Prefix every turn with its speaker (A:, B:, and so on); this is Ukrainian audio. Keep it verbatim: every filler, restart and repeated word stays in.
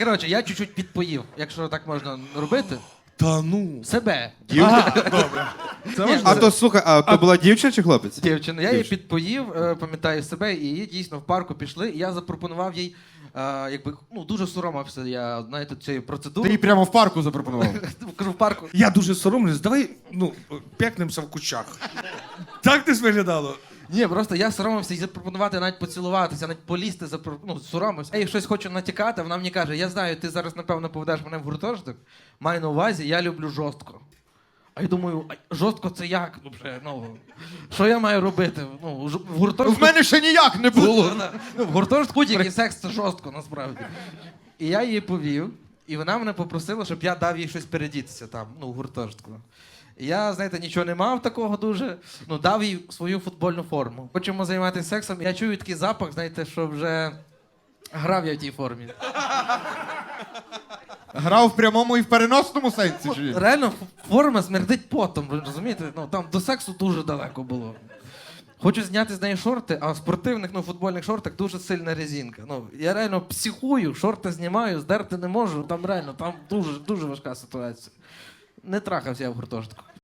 A: Коротше, я чуть-чуть підпоїв, якщо так можна робити.
B: Та ну.
A: Себе.
B: Ага, добре. Це
A: Ні,
B: важливо.
C: А то, слухай, а то була дівчина чи хлопець?
A: Дівчина, я її підпоїв, е, пам'ятаю себе, і її дійсно в парку пішли, і я запропонував їй, е, якби, ну, дуже соромився я, знаєте, цієї
D: Ти
A: процедури.
D: їй прямо в парку запропонував.
A: Кажу, в парку.
B: Я дуже соромлюсь, давай, ну, п'якнемося в кущах. Так десь виглядало?
A: Ні, просто я соромився і запропонувати навіть поцілуватися, навіть полізти, запро... ну, соромився. Я їй щось хочу натякати, вона мені каже, я знаю, ти зараз, напевно, поведеш мене в гуртожиток, маю на увазі, я люблю жорстко. А я думаю, а жорстко це як? Ну, вже, ну, що я маю робити? Ну, ж- в гуртожитку...
D: В мене ще ніяк не було.
A: Ну, в гуртожитку тільки секс це жорстко, насправді. І я її повів, і вона мене попросила, щоб я дав їй щось передітися там, ну, в гуртожитку. І я, знаєте, нічого не мав такого дуже, ну, дав їй свою футбольну форму. Хочемо займатися сексом, я чую такий запах, знаєте, що вже грав я в тій формі.
D: Грав в прямому і в переносному сенсі. Чи ні?
A: Реально, ф- форма смердить потом, ви розумієте? Ну, там до сексу дуже далеко було. Хочу зняти з неї шорти, а в спортивних, ну, футбольних шортах дуже сильна резинка. Ну, я реально психую, шорти знімаю, здерти не можу, там реально, там дуже, дуже важка ситуація. Не трахався я в гуртожитку.